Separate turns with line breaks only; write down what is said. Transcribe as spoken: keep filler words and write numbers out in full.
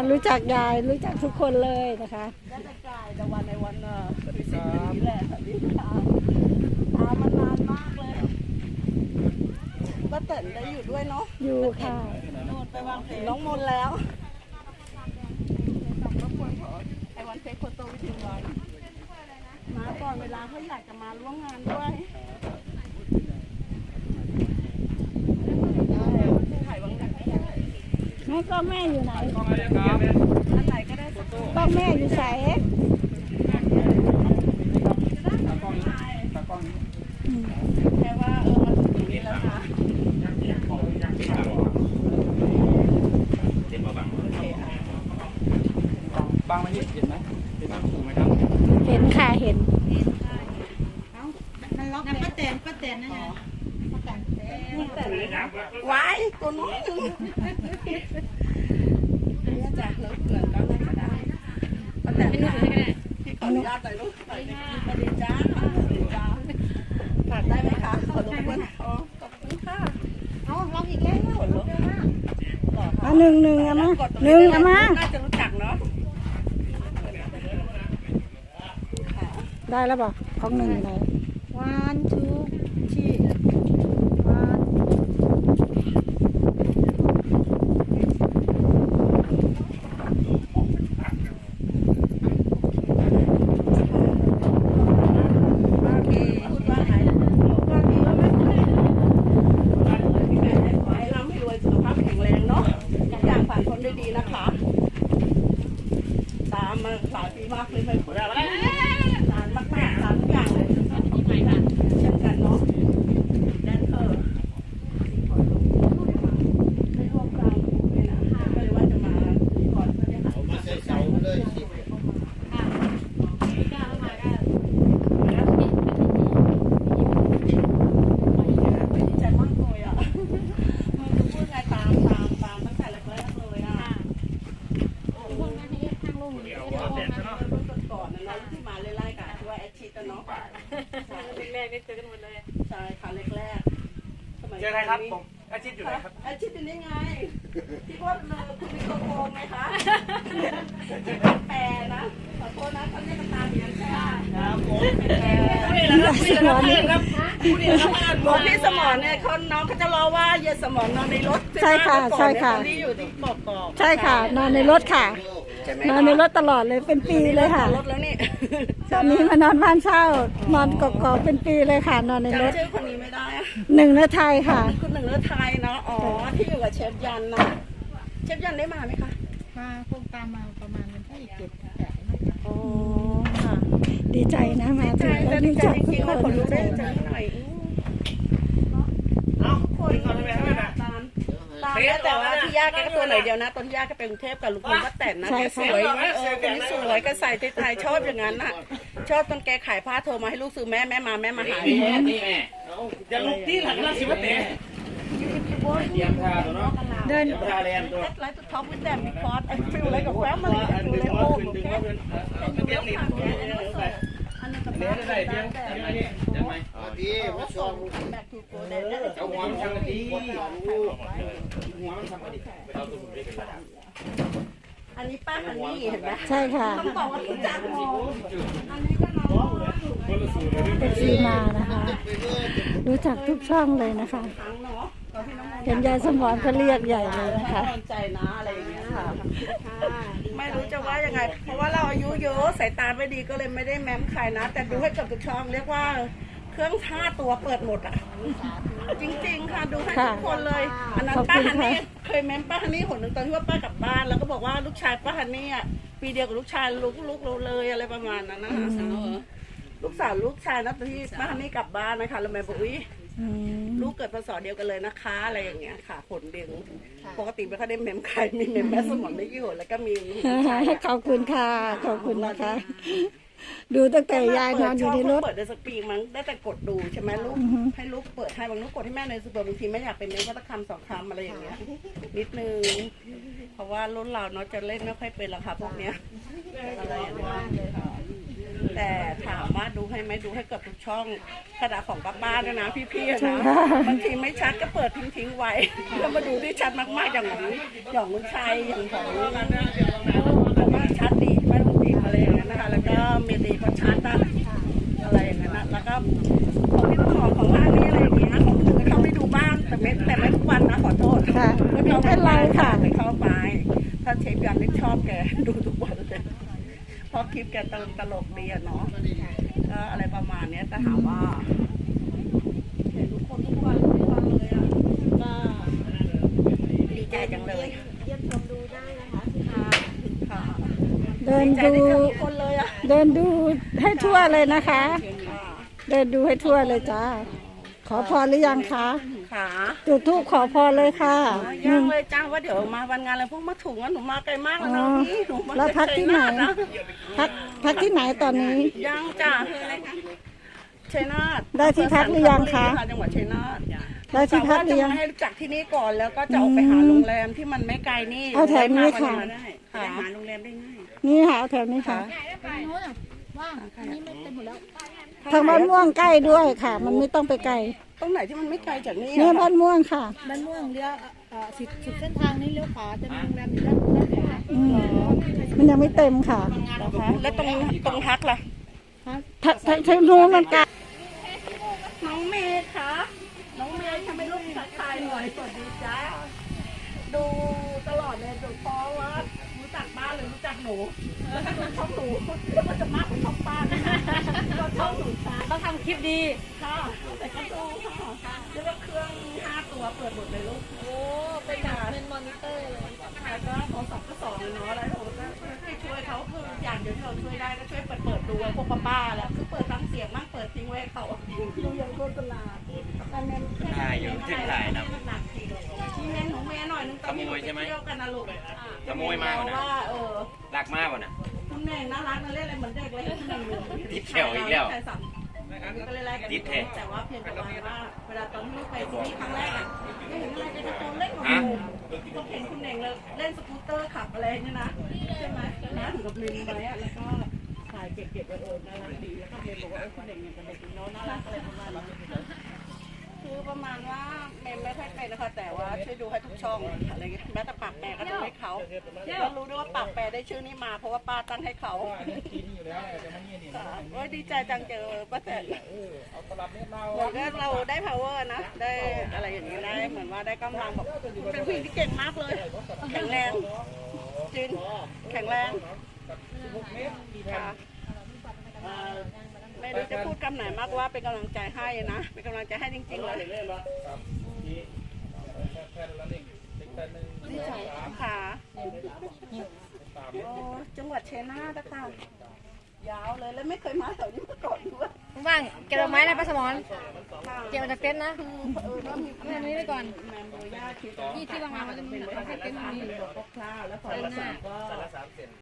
รู้จักยายรู้จักทุกคนเลยนะคะ
ได้แต่กายแต่วันในวันเออพิเศษนี้แหละนี่ค่ะตามมานานมากเลยป้าเต๋นได้อยู่ด้วยเนาะ
อยู่ค่ะ
โน่นไปวางเพลงน้องมนแล้วไอ้วันเฟซโฟโต้วิดีโอวันมาก่อนเวลาเขาอยากจะมาร่วมงานด้วย
แม่ก็แม่อยู่ไหน
อันไหนก็ได้
ก็แม่อยู่ใส่
แค่ว่าเออมันถึงนี้แล้วนะ
เห็นมาบังบังไม่เห็นไหมเห็นถูกไหมครับ
เห็นค่ะเห็น
มันล็อกป้าแตนป้าแตนนั่นไงป้าแตนไว้ตัวน้อยนี่จ้ะเลิกเกินก็ได้ก็ได้ป้าแตนให้ลูกให้ก็ได้พี่ขออนุญาตหน่อยลูกสวัสดีจ้าสวัสดีจ้าฝากได้ไหมคะขอรบกวนอ๋อขอบคุณค่ะเอาล็อกอีกแล้วขนลุกมาก
อ่ะหนึ่งหนึ่งอ่ะมาหนึ่งอ่ะมา
น่าจะรู้จักเนาะ
ได้แล้วบอกของหนึ่งไหน
one two three one ดีนะคะตามมาหลายปีมากเลยไม่ผลอะไรนานมากๆนานทุกอย่างเลยเช่นกันเนาะแดนเซอร์ไม่ร่วมกันเลยนะก็เลยว่าจะมาก่อนเพื่อได้หามาใส่เสาเลยสิดีใจมากเลยอ่ะพูดไงตามตามตามตั้งแต่แรกๆเลยอ่ะก่อนนะเนาะที่มาไล่ๆกันว่าแอดชิดเนาะแรกๆได้เจอกันหมดเลยใช่ค่ะแรกๆ
เจอใครครับผมแอดชิดอยู่ไหนครับ
แอดชิดอยู่นี่ไงที่ว่าเลยคุณมีโกโก้ไหมคะแปรนะขอโทษนะเขาเรียกกันตามอย่างนี้ครับผมแปรผู้ดีแล้วผู้ดีแล้วครับผู้ดีแล้วบอกพี่สมรเนี่ยคนน้องเขาจะรอว่าเยสมรนอนในรถ
ใช่ค่ะใช่ค่ะ
ที่อยู่ที่บอกบอก
ใช่ค่ะนอนในรถค่ะนอนในรถตลอดเลยเป็นปีเลยค่ะ
รถแล้วนี่
ตอนนี้มานอนบ้านเช่านอนกอกๆเป็นปีเลยค่ะนอนในรถ
ชื่อคนนี้ไม่ได้
หนึ่งเนื้อไทยค่ะ
คุณหนึ่งเนื้อไทยเนาะอ๋อที่อยู่กับเชฟยันนะเชฟยันได้มาไหมคะ
มาคงตามมาประมาณวันที่เจ็ดแปด
อ๋อค่ะ
ดีใจนะมาถึง
แล้วดีใจจริงๆว่าคนรู้ได้ใจหน่อยเอ้าคนเขาไม่ให้นะตามตามแต่ว่าที่ยากแค่ตัวไหนเดียวนะตอนที่ยากก็เป็นกรุงเทพกับลุงพลก็แต่นนะแกสวยเออคนนี้สวยก็ใส่ไทยชอบอย่างนั้นน่ะชอบตอนแกขายผ้าโทรมาให้ลูกซื้อแม่แม่มาแม่มาหา
นี่แม่นี่แม่จะลุกที่หลังแล้วสิวะเต๋เตรียมท่าตัวเนาะเดินท่าแรงตัว
ไลท์ท็อปวิดแดมบิคอสไอ้ฟิลอะไรกับแฟ้มมันฟิลอะไรโอ้โหแค่เลี้ยงผ่านแกอันนั้นกับแม่ได้เลี้ยง
จะไหม
ดีมาชมแบกถูกโกเด้
เอาหัวมันทำดีหัวมันทำดีเอาตัวผมไปกัน
อันนี้ป้าฮันนี่เห็นไหม
ใช่ค่ะ
ต้องบอกว่ารู้จักหมดอันนี้ก็น้อง
เอฟซีมานะคะรู้จักทุกช่องเลยนะคะเห็นยายสมรก็เรียกใหญ่เลยนะคะ
ใจนะอะไรอย่างเงี้ยค่ะไม่รู้จะว่ายังไงเพราะว่าเราอายุเยอะสายตาไม่ดีก็เลยไม่ได้แม้มใครนะแต่ดูให้กับทุกช่องเรียกว่าเครื่องท่าตัวเปิดหมดอ่ะจริงๆค่ะดูให้ทุกคนเลยอันนั้นป้าฮันนี่เคยแม้มป้าฮันนี่คนหนึ่งตอนที่ว่าป้ากลับบ้านแล้วก็บอกว่าลูกชายป้าฮันนี่อ่ะปีเดียวกับลูกชายลูกลูกเราเลยอะไรประมาณนั้นนะลูกสาวลูกชายนะตอนที่ป้าฮันนี่กลับบ้านนะคะแล้วแม่บอกอุ้ยลูกเกิดพศเดียวกันเลยนะคะอะไรอย่างเงี้ยค่ะผลเดียวปกติไม่ค่อยได้เมมใครมีเมมแม่สมองไม่กี่คนแล้วก็มี
ขอบคุณค่ะขอบคุณนะคะดูตั้งแต่ยายนอนอยู่ในรถ
เปิดในสปีกมั้งได้แต่กดดูใช่ไหมลูกให้ลูกเปิดให้บางลูกกดให้แม่ในสปีกบางทีไม่อยากเป็นเมมก็ต้องคำสองคำอะไรอย่างเงี้ยนิดนึงเพราะว่ารุ่นเราเนาะจะเล่นไม่ค่อยเป็นหรอกค่ะพวกเนี้ยอะไรอย่างเงี้ยแต่ถามว่าดูให้ไหมดูให้เกือบทุกช่องขนาดของป้าบ้านนะนะพี่ๆนะบางทีไม่ชัดก็เปิดทิ้งๆไว้แล้วมาดูที่ชัดมากๆอย่างของอย่างลุงชัยอย่างของแบบของพี่ต้นหอมของร้านนี้อะไรอย่างเงี้ยของอื่นก็เข้าไปดูบ้างแต่ไม่แต่ไม่ทุกวันนะขอโทษ
ค่ะไม่เป็นไรค่ะ
ไม่เข้าไปถ้าเชฟยันนี่ชอบแกดูทุกวันเลยเพราะคลิปแกตลกตลกดีอะเนาะก็อะไรประมาณเนี้ยแต่ถามว่าเห็นทุกคนทุกวันทุกวันเลยอะก็ดีใจจังเลย
เยี่ยมชมดูได้นะคะที่ทาง
ค่ะ
เดิน
ดีใจ
ดู
ที่เจอทุกคนเลยอะ
เดินดูให้ทั่วเลยนะคะ
ค่ะ
เดินดูให้ทั่วเลยจ้า ขอพรหรือยังคะ
ค่ะ
จุดธูปขอพรเลยค่ะ
ยังเลยจ้าว่าเดี๋ยวมาวันงานอะไรพวกมาถุงอะหนูมาไกลมากแล้ว
อ๋
นะ
อ
พี่หนูมา
แล้วพักที่ไหน
ชัยาทนะ
พักพักที่ไหนตอนนี้
ยังจ้าคืออะไรคะชัยนาท
ได้ที่พักหรือยังคะ
จังหวัดชัยนาท
ได้ที่พักหรือยัง
แต่ว่าจะมาให้รู้จักที่นี่ก่อนแล้วก็จะออกไปหาโรงแรมที่มันไม่ไกลนี่
เอาแถวนี้ค่ะ
ได้ค่ะหาโรงแรมได้ง่าย
นี่ค่ะเอาแถวนี้ค่ะ
ตรงนู้นอ่ะว่างอันนี้ไม่เต็มหมดแล้ว
ทางบ้านม่วงใกล้ด้วยค่ะ มันไม่ต้องไปไกล
ตรงไหนที่มันไม่ไกลจากนี่
เนี่ย
อะ
บ้านม่วงค่ะ
บ้านม่วงเลี้ยวเอ่อสุดสุดเส้นทางนี้เลี้ยวขวาจะมีโรงแรมอยู่ด้านด้านขวา
อืมมันยังไม่เต็มค่ะ
นะคะแล้วตรงตรงพักล่ะ
ทางทางทางนู้นมันไกล
น้องเมย์คะน้องเมย์ทำไมลูกทักทายหน่อยสวัสดีจ้าดูตลอดเลยดูเพราะว่ารู้จักบ้านเลยรู้จักหนูแล้วก็ดูช่องหนูก็จะมากกว่าช่องป้านะก็ช่องหนูช้า
ต้องทำคลิปดี
ค่ะแต่ก็ดูค่ะแล้วก็เครื่องห้าตัวเปิดหมดเลยลูก
โอ้เป็นแบบเป็นมอนิเตอร์เลย
ค่ะก็โทรศัพท์ก็สองเนาะอะไรผมก็ให้ช่วยเขาคืออย่างเดียวที่เราช่วยได้ก็ช่วยเปิดเปิดดูพวกป้าๆแล้วคือเปิดฟังเสียงมั่งเปิดทิ้งไว้ให้เขาดูอย่างโฆษณาอันนั้นแค่
ถ่ายอยู่ที่ถ่ายนะ
หนักทีนี่แม่หนูแม่หน่อยนึงตอนนี้หนูไปเที่ยวกันนะลูก
ขโมยมาก่อนนะ
ว่าเออ
รักมากกว่านะ
คุณแม่น่ารักนะเล่นอะไรเหมือนเด็กเลยคุณแม่หนู
ติดแถวอีกแล้ว
ก็เลยไล่กัน
ติดแถว
แต่ว่าเพียงแต่ว่าเวลาตอนที่ลูกไปที่นี่ครั้งแรกอ่ะไม่เห็นอะไรจะตอนเล่นกับหนูก็เห็นคุณเน่งเลยเล่นสกูตเตอร์ขับอะไรเนี่ยนะใช่ไหมนะถึงกับลืมไว้อะแล้วก็ถ่ายเก็บๆไว้เออน่ารักดีแล้วก็เมย์บอกว่าคุณเน่งเนี่ยเป็นเด็กน้องน่ารักอะไรประมาณนี้คือประมาณว่าเมย์ไม่ค่อยเป็นนะคะแต่ว่าช่วยดูให้ทุกช่องอะไรเงี้ยแม้แต่ปากแปรก็ดูให้เขาก็รู้ด้วยว่าปากแปรได้ชื่อนี้มาเพราะว่าป้าตั้งให้เขาโอ้ยดีใจจังเจอป้าแตนเหมือนกับเราได้ power นะได้อะไรอย่างนี้ได้เหมือนว่าได้กำลังแบบเป็นผู้หญิงที่เก่งมากเลยแข็งแรงจินแข็งแรงค่ะไม่รู้จะพูดคำไหนมากว่าเป็นกำลังใจให้นะเป็นกำลังใจให้จริงๆเลยดีใจค่ะโอ้จังหวัดชัยนาทนะคะยาวเลยแล้วไม่เคยมาแถวนี้มาก่อนด้วย
ว่างเก็บดอกไม้นะป้าสมร
ค่ะ
เก็บมาจากเต็นท์นะ
เออถ้ามี
เอาแบบนี้ไปก่อน
แมมโบย่าคิด
ที่ที่วางๆมันจะมี
เป็น
เอาแค่เต็นท์ตรงนี้
บอกคร่าวๆแล้วพอละสามก็